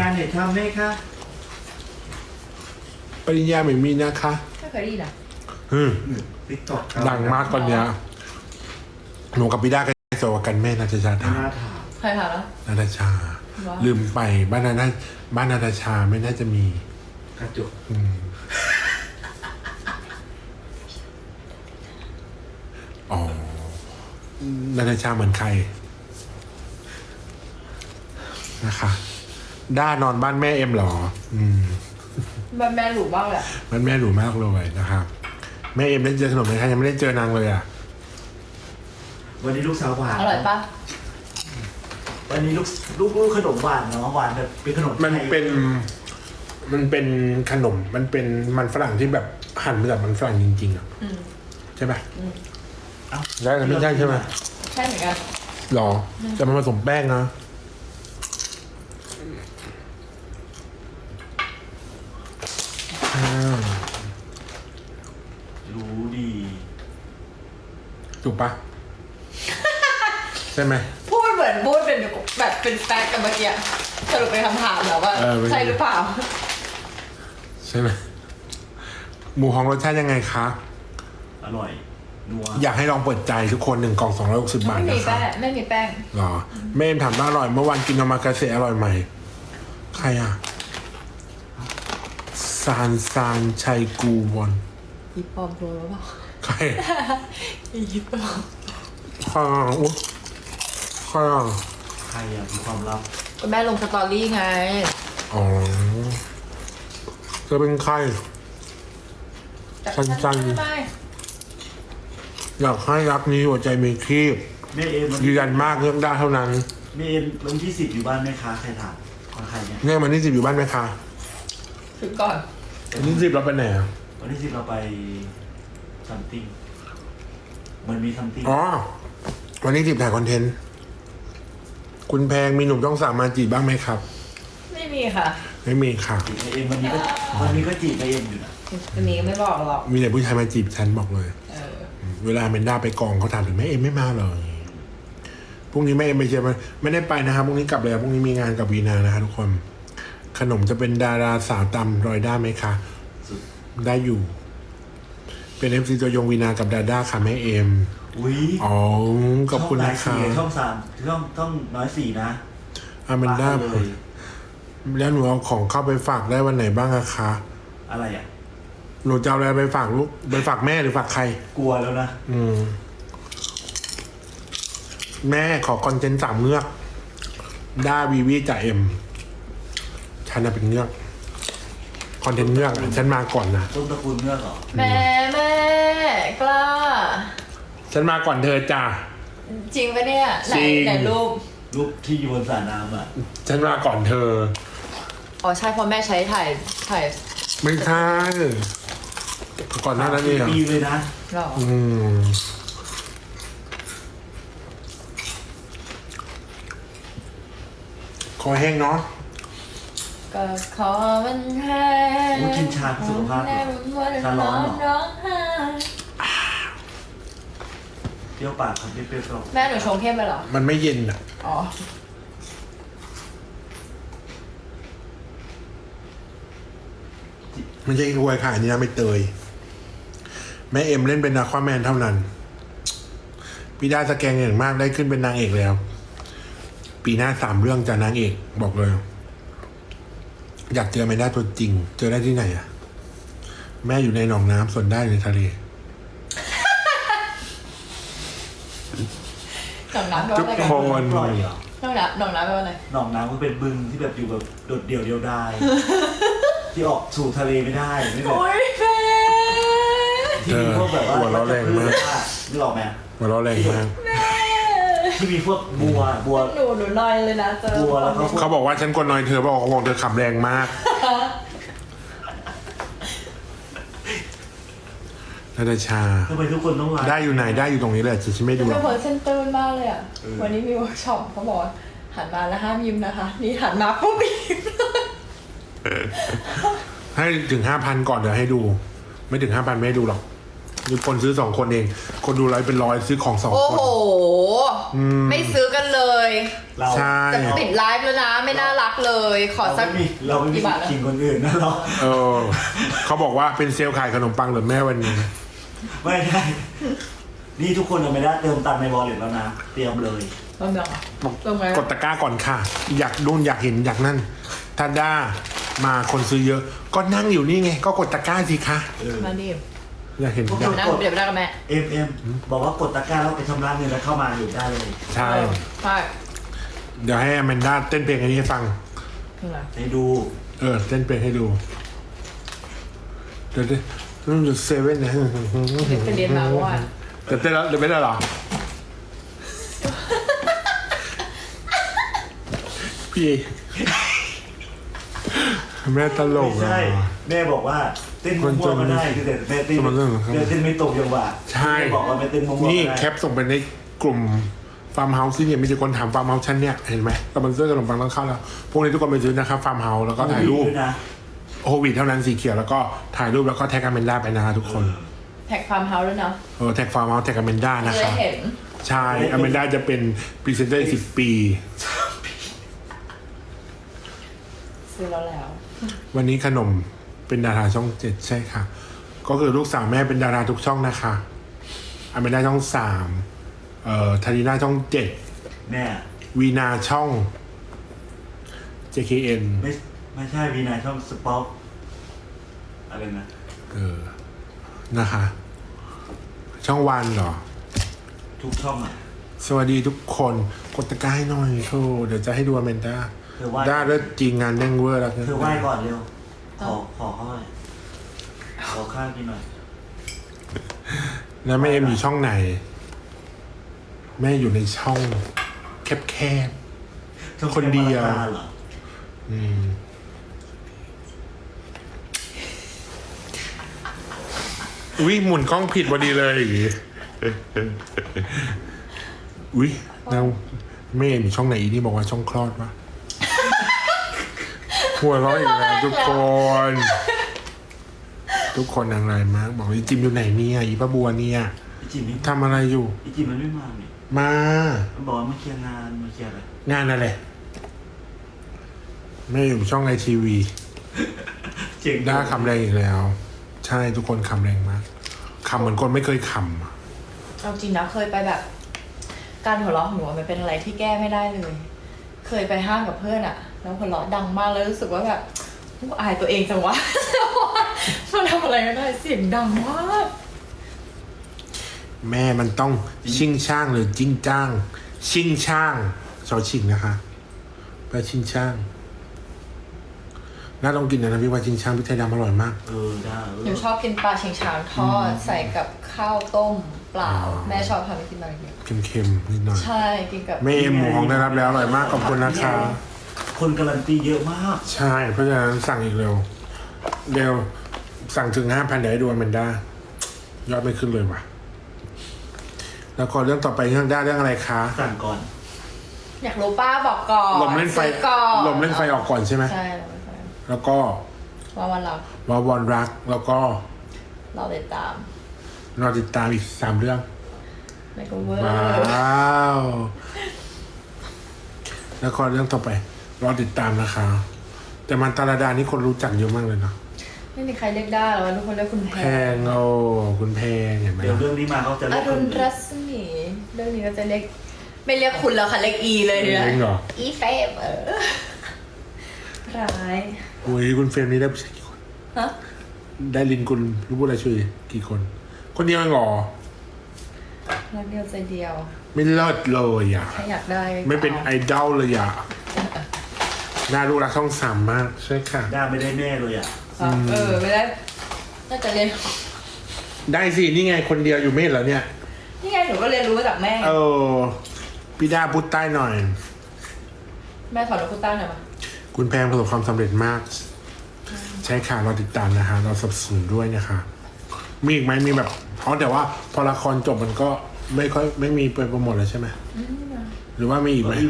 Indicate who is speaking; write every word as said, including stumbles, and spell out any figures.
Speaker 1: เน็ตทำไหมคะ
Speaker 2: ปริญญาไม่มีนะคะ
Speaker 3: ไม่เคยได้ยินอ่ะ
Speaker 2: อืม
Speaker 1: ติ๊กต็อก
Speaker 2: ดังมากตอนเนี้ยหนูกับพี่ด้าก็สวกันแม่นาตาชา
Speaker 1: ไม่
Speaker 2: ถาม
Speaker 1: น่าถาม
Speaker 3: ใครถามแล้ว
Speaker 2: นาตาชา
Speaker 3: ว้าว
Speaker 2: ลืมไปบ้านนาตาบ้านนาตาชาไม่น่าจะมี
Speaker 1: กระจก
Speaker 2: อืมอ๋อนาตาชาเหมือนใครนะคะ ด้านอนบ้านแม่เอ็มเหรอ อืม
Speaker 3: แม่แม่หลูบ้างแหละ
Speaker 2: มันแม่หรูมากเลยนะครับแม่เอ็มได้เจอขนมไหมคะยังไม่ได้เจอนางเลยอ่ะ
Speaker 1: วันนี้ลูกสาวหวาน
Speaker 3: อร่อยปะ
Speaker 1: วันนี้ลูกลูกลูกขนมหวานเนาะหวานแบบเป็นขนมไทย
Speaker 2: มันเป็น มันเป็นขนม มันเป็นมันฝรั่งที่แบบหั่นมาจากมันฝรั่งจริงๆอ่ะ
Speaker 3: อืม
Speaker 2: ใช่ปะ
Speaker 3: อืม
Speaker 1: เอ้า
Speaker 2: ได้แต่ไม่ใช่ใช่ไหม
Speaker 3: ใช่เหมือนกัน
Speaker 2: หรอแต่มันผสมแป้งนะอ่า
Speaker 1: รู้ดี
Speaker 2: ถูกปะ ใช่ไหม
Speaker 3: พูดเหมือนพูดเป็นแบบเป็นแฟกต์กันเมื่อกี้สรุปเป็นคำถามแล้วว่า
Speaker 2: เออเป็น
Speaker 3: ใช่หรือเปล่า
Speaker 2: ใช่ไหมหมูฮ้องรสชาติยังไงคะ
Speaker 1: อร่อยนัว
Speaker 2: อยากให้ลองเปิดใจทุกคนหนึ่งกล่องสองร้อยหกสิบบาท
Speaker 3: ไม่มี
Speaker 2: นะครั
Speaker 3: แป้
Speaker 2: บ
Speaker 3: งไม่มีแป้ง
Speaker 2: หรอแม่เอ็มถามว่าอร่อยเมื่อวานกินโอมากาเสะอร่อยไหมใครอ่ะซานซานชัยกูวอน
Speaker 3: ยิปปอมโปรหรือเปล่า
Speaker 2: ใคร
Speaker 3: ยิปปอม
Speaker 2: ใครอ่ะอุ๊ยใครอ่ะ
Speaker 1: ใครอะมีความลับ
Speaker 3: ก็แม่ลงสตอรี่ไง
Speaker 2: อ๋อจะเป็นใคร
Speaker 3: แต่
Speaker 2: สั้นๆ
Speaker 3: ไม่ไม่
Speaker 2: อยากให้รักนี้หัวใจมีครีบ
Speaker 1: แม่เอ็มวัน
Speaker 2: ยืนยันมากเรื่องได้เท่านั้น
Speaker 1: แม่เอ็มวันที่สิบอยู่บ้านไหมคะใครถามของใครเนี่ย
Speaker 2: เนี่ยวันที่สิบอยู่บ้านไหมคะ
Speaker 3: ถึงก่อน
Speaker 2: วันที่สิบเราไปไหนอ่ะ
Speaker 1: วันที่สิบเราไปซัมติงมันมีซัมติง
Speaker 2: อ๋อวันที่สิบถ่ายคอนเทนต์คุณแพงมีหนุ่มต้องสามมาจีบบ้างไหมครับ
Speaker 3: ไม่มีค่ะ
Speaker 2: ไม่มีค่ะ
Speaker 1: จีบแม่เอ็มวันนี้ก็วันนี้ก็จีบแม่เอ็มอยู่นะ
Speaker 3: อันนี้ไม่บอกหรอก
Speaker 2: มีแต่ผู้ชายมาจีบฉันบอกเลย
Speaker 3: เออ
Speaker 2: เวลาเมนด้าไปกองเขาถามถึงแม่เอ็มไม่มาเลยพรุ่งนี้แม่เอ็มไปเชียร์มันไม่ได้ไปนะครับพรุ่งนี้กลับเลยพรุ่งนี้มีงานกับวีนานะครับทุกคน ขนมจะเป็นดาราสาวตำรอยด้าไหมคะ
Speaker 1: สุด
Speaker 2: ได้อยู่ เป็นเอฟซีตัวยงวีนากับดาด้าค่ะแม่เอ็ม
Speaker 1: อุ้ย
Speaker 2: อ๋อขอบคุณนะ
Speaker 1: ช่
Speaker 2: คะ
Speaker 1: องไหนสี่ช่องสามช่องช่องน้อยสี่นะ
Speaker 2: อาแมนด้า
Speaker 1: ปะเลย
Speaker 2: แล้วหนูเอาของเข้าไปฝากได้วันไหนบ้างอะคะ
Speaker 1: อะไรอ่ะ
Speaker 2: หนูจะเอาอะไรไปฝากลูกไปฝากแม่หรือฝากใคร
Speaker 1: กลัวแล้วนะ
Speaker 2: อืม แม่ขอคอนเทนต์สามเงือกด้าวีวีจ่าเอ็มฉันน่ะเป็นเงือกคอนเทนต์เงือกอะฉันมาก่อนนะ
Speaker 1: ต้นตระกูลเงือกเหรอ
Speaker 3: แม่แม่กล้า
Speaker 2: ฉันมาก่อนเธอจ้า
Speaker 3: จริงปะเนี่ยไหน
Speaker 2: จริง
Speaker 3: ไหนรูป
Speaker 1: รูปที่อยู่บนสระน้ำอ่ะ
Speaker 2: ฉันมาก่อนเธอ
Speaker 3: อ๋อใช่เพราะแม่ใช้ถ่ายถ่าย
Speaker 2: ไม่ใช่ก่อนหน้านั้นเอง
Speaker 1: ปีเลยนะ
Speaker 3: หรอ
Speaker 2: อืมคอแห้งเนาะ
Speaker 3: ก็ขอมันแห้
Speaker 1: โอ้กินชาสุขภาพเหรอชาร้อนเหรอ
Speaker 3: ร้องไห้
Speaker 1: เปรี้ยวปากครับเปรี้ยวๆก็
Speaker 3: แม่หนูชงเข้มไปเหรอ
Speaker 2: มันไม่เย็นอ่ะ
Speaker 3: อ๋อ
Speaker 2: ไม่ใช่รวยค่ะอันนี้นะไม่เตย แม่เอ็มเล่นเป็นนาควาแมนเท่านั้น พี่ด้าสแกงอย่างมากได้ขึ้นเป็นนางเอกแล้ว ปีหน้าสามเรื่องจะนางเอกบอกเลย อยากเจอแมนด้าตัวจริง เจอได้ที่ไหนอะแม่อยู่ในหนองน้ำส่วนได้ในทะเล
Speaker 3: หนองน้ำแปล
Speaker 2: ทุ
Speaker 3: ว่าก อะไร
Speaker 2: ค
Speaker 3: กัน
Speaker 2: น
Speaker 1: ปล่อยเหรอ
Speaker 3: หนองน้ำหนองน้ำแปลว่าอะไร
Speaker 1: หนองน้ำก็เป็นบึงที่แบบอยู่แบบโดดเดี่ยวเดียวดาย ที่ออกสู่ทะเลไม่ได้ไม่แบบ
Speaker 3: โอ้ยแม่
Speaker 1: ที่มีพวกแบบว่า
Speaker 2: หัวเราะแรงมาก
Speaker 1: นึกออกไหม
Speaker 2: หัวเราะแรงมาก
Speaker 3: แม่
Speaker 1: ที่มีพวกบัวบัว
Speaker 3: หนูหนูนอยเลยนะเจอ
Speaker 1: บัวแล้วเขา
Speaker 2: เขาบอกว่าฉันกดนอยเธอบอกว่าเธอขำแรงมากนาตาชา
Speaker 1: ทำไมทุกคนต้องไลฟ์
Speaker 2: ได้อยู่ไหนได้อยู่ตรงนี้แหละจะฉันไม่
Speaker 3: จะ
Speaker 2: ดูหร
Speaker 3: เป็
Speaker 2: อน ก
Speaker 3: คนเส้นตื้นมากเลยอ่ะ
Speaker 1: เออ
Speaker 3: วันนี้มีเวิร์กช็อปเขาบอกว่าหันมาแล้วห้ามยิ้มนะคะ นี่หันมาปุ๊บยิ้มเลย
Speaker 2: ให้ถึงห้าพันก่อนเดี๋ยวให้ดู ไม่ถึงห้าพันไม่ให้ดูหรอกมีคนซื้อสองคนเอง คนดูไลฟ์เป็นร้อยซื้อของสอง
Speaker 3: โอ้
Speaker 2: คน
Speaker 3: โห ไม่ซื้อกันเลย
Speaker 1: เรา
Speaker 2: ใช่
Speaker 3: จะปิดไลฟ์แล้วนะ ไม่น่ารักเลย ขอ
Speaker 1: เรา
Speaker 3: สัก
Speaker 1: ไม่มีเราไม่มี
Speaker 3: กี่บาทนะ
Speaker 1: กินคนอื่นนะเรา
Speaker 2: เออเขาบอกว่าเป็นเซลล์ขายขนมปังเหรือแม่วันนี้
Speaker 1: ไม่ได้นี่ทุกคนยังไม่ได้เติมตังค์ในวอลเล็ตแล้วนะเตรียมเลย
Speaker 3: เริ่มยังอ่ะเริ่มไหม
Speaker 2: กดตะกร้าก่อนค่ะ อยากนู่นอยากเห็นอยากนั่น ถ้าด้ามาคนซื้อเยอะ ก็นั่งอยู่นี่ไง ก็กดตะกร้าสิคะ
Speaker 1: เออ
Speaker 3: มาดิ
Speaker 2: อยากเห็นอยาก
Speaker 3: นั่งเดี๋ยวไปนั่งกับแม่
Speaker 1: เอ็มเอ็มบอกว่ากดตะกร้าแล้วไปชำระเงินแล้วเข้ามาอยู่ได้เลย
Speaker 2: ใช่
Speaker 3: ใช่
Speaker 2: เดี๋ยวให้อแมนด้าเต้นเพลงอันนี้ให้ฟัง
Speaker 3: คืออะไร
Speaker 1: ให้ดู
Speaker 2: เออเต้นเพลงให้ดู เดี๋ยวเดี๋ยวต้องอยู่เซเว่นนะ
Speaker 3: ไปเรียนมาเมื่อวาน
Speaker 2: เดี๋ยวเต้นแล้วเดี๋ยวไม่ได้เหรอ พี่แม่ตลก
Speaker 1: ไม่
Speaker 2: อ่ะ
Speaker 1: ใช่แม่บอกว่าเต้นมั่วๆก็ได้คือแต่แม่เต้น
Speaker 2: มันเรื่องของเขา
Speaker 1: แม่เต้นไม่ตรงจังหวะ
Speaker 2: ใช่
Speaker 1: แม่บอกว่าแม่เต้นมั่วๆก็
Speaker 2: นี่
Speaker 1: ได้
Speaker 2: แคปส่งไปในกลุ่มฟาร์มเฮาส์ที่เนี่ยมีแต่คนถามฟาร์มเฮาส์ชั้นเนี่ยเห็นไหมกำลังซื้อขนมปังต้องเข้าแล้ว พวกนี้ทุกคนไปซื้อนะครับฟาร์มเฮาส์แล้วก็ถ่ายรูป
Speaker 1: ด้วยนะ
Speaker 2: โควิดเท่านั้นสีเขียวแล้วก็ถ่ายรูปแล้วก็แท็กอเมนด้าไปนะคะทุกคน
Speaker 3: แท็กฟาร์มเฮาส์ด้วยเนาะ
Speaker 2: เออแท็กฟาร์มเฮาส์แท็กอเมนด้านะ
Speaker 3: จะ
Speaker 2: ค
Speaker 3: ได้
Speaker 2: รับ
Speaker 3: เห็น
Speaker 2: ใช่อเมนด้าจะเป็นพรีเซนเตอร์อีกสิบปี
Speaker 3: ซื้อแล้วแล้ว
Speaker 2: วันนี้ขนมเป็นดาราช่องเจ็ดใช่ค่ะ ก็คือลูกสาวแม่เป็นดาราทุกช่องนะคะอเมนด้าช่องสามเอ่อทาริน่าช่องเจ็ด
Speaker 1: แม่
Speaker 2: วีนาช่อง เจ เค เอ็น
Speaker 1: ไม่ไม่ใช่วีนาช่องสป็อคอะไรนะ
Speaker 2: เออ นะคะ ช่องวันเหรอ
Speaker 1: ทุกช่องอ่ะ
Speaker 2: สวัสดีทุกคน กดตะกร้าให้หน่อยโชว์เดี๋ยวจะให้ดูอเมนด้า
Speaker 1: เธอไหว้
Speaker 2: ด้าเลิศจริงงานเด้งเวอร์แล้ว
Speaker 1: เธอไหว้ก่อนเร็ว ขอขอเข้าหน่อยขอข้าวกินหน่อย
Speaker 2: แล้วแม่เอ็มอยู่ช่องไหน แม่อยู่ในช่องแคบ
Speaker 1: ช่อง
Speaker 2: คนเดียว
Speaker 1: แค่มาราคาเหรอ
Speaker 2: ๆอืมอุ้ยหมุนกล้องผิดพอดีเลยอย่างงี้อุ้ยแล้วแม่เอ็มอยู่ช่องไหนอีนี่บอกว่าช่องคลอดวะหัวเราะอีกแล้วทุกคน ทุกคนนางไรมาก บอกว่าอีจิมอยู่ไหนเนี่ยอีป้าบัวเนี่ย
Speaker 1: อีจิมนี่
Speaker 2: ทำอะไรอยู่
Speaker 1: อีจิมมันไม่มาเนี่ย
Speaker 2: มา
Speaker 1: มันบอกว่ามาเคลียร์งานมาเคลียร์อะไร
Speaker 2: งานอะไรแม่อยู่ช่องไอทีวี
Speaker 1: เจ๋ง
Speaker 2: ด้าคำแรงอีกแล้ว ใช่ทุกคนคำแรงมากคำเหมือนคนไม่เคยคำอะ
Speaker 3: เอาจริงนะเคยไปแบบ การหัวเราะของหนูมันเป็นอะไรที่แก้ไม่ได้เลย เคยไปห้างกับเพื่อนอะแล้วหัวเราะดังมากแล้วรู้สึกว่าแบบกูอายตัวเองจังวะ มันทำอะไรไม่ได้เสียงดังมาก
Speaker 2: แม่มันต้องชิงช่างหรือจิ้งจ้าง ชิงช่างชอชิงนะคะแปลชิงช่างน่าต้องกินนะพี่ว่าชิงช่างพริกไทยดำอร่อยมาก
Speaker 1: เออได้เออ
Speaker 3: หนูชอบกินปลาชิงช้างทอดใส่กับข้าวต้มเปล่า แม่ชอบทำให้กินแบบนี้
Speaker 2: เค็มๆนิดหน่อย
Speaker 3: ใช่กินกับ
Speaker 2: แม่เอ็มหมูของได้รับแล้วอร่อยมากขอบคุณนะคะ
Speaker 1: คนการันตีเยอะมาก
Speaker 2: ใช่ เพราะฉะนั้นสั่งอีกเร็ว เร็ว สั่งถึงห้าพันเดี๋ยวให้ดูอแมนด้ายอดไม่ขึ้นเลยว่ะ แล้วก็เรื่องต่อไปเรื่องด้าเรื่องอะไรคะ
Speaker 1: สั่งก่อน
Speaker 3: อยากรู้ป้าบอกก่อน
Speaker 2: ลมเล่นไฟ
Speaker 3: ซื้อก่อน
Speaker 2: ลมเล่นไฟออกก่อนใช่ไหม
Speaker 3: ใช่ลมเล่นไฟ
Speaker 2: แล้วก็
Speaker 3: ว่าวันเรา
Speaker 2: วาวอนรัก แล้วก็
Speaker 3: เราติดตาม
Speaker 2: รอติดตามอีกสามเรื่อง
Speaker 3: ในกูเวอร์
Speaker 2: ว้าว แล้วก็เรื่องต่อไป รอติดตามนะคะ แต่มันตาลาดานี่คนรู้จักเยอะมากเลยเนาะ
Speaker 3: ไม่มีใครเรียกได้หรอกทุกคนเรียกคุณแพ
Speaker 2: แพงโอ้คุณแพงเห็นไหม
Speaker 1: เดี๋ยวเรื่องนี้มาเขาจะ
Speaker 3: อ
Speaker 1: เรียก
Speaker 3: รุ
Speaker 1: คน
Speaker 3: ณรัศมีเรื่องนี้ก็จะเรียกไม่เรียกคุณแล้วค่ะเรียกอีเลยเนี่ย
Speaker 2: เองเหรอ
Speaker 3: อีเฟมเออร้าย
Speaker 2: โอ้ยคุณเฟรมนี่ได้ผู้ชายกี่คน
Speaker 3: ฮะ
Speaker 2: ได้ลินคุณรู้พูดอะไรช่วยกี่คน คนเดียวเองเหรอ
Speaker 3: รักเดียวใจเดียว
Speaker 2: ไม่เลิศเลยอ่ะ
Speaker 3: ถ้าอยากได้
Speaker 2: ไม่เป็นไอ
Speaker 3: อา
Speaker 2: ดอลเลยอ่ะน่ารู้รักช่องสามมาก ใช่ค่ะ
Speaker 1: ด้าไม่ได้แม่เลยอ่ะ
Speaker 3: อ่ะเออไม่ได้น่าจะเรียน
Speaker 2: ได้สิ นี่ไงคนเดียวอยู่ไม่เห็นเหรอเนี่ย
Speaker 3: นี่ไงหนูก็เรียนรู้มาจากแม่
Speaker 2: เออพี่ดาพูดใต้หน่อย
Speaker 3: แม่สอนหนูพูดใต้หน่อยมา
Speaker 2: คุณแพงประสบความสำเร็จมาก ใช่ค่ะเราติดตามนะคะ เราสนับสนุนด้วยนะคะ มีอีกไหมมีแบบเพราะแต่ว่าพอละครจบมันก็ไม่ค่อยไม่มีไปโปรโมทแล้วใช่ไหม
Speaker 3: อืม
Speaker 2: หรือว่ามีอีกไหม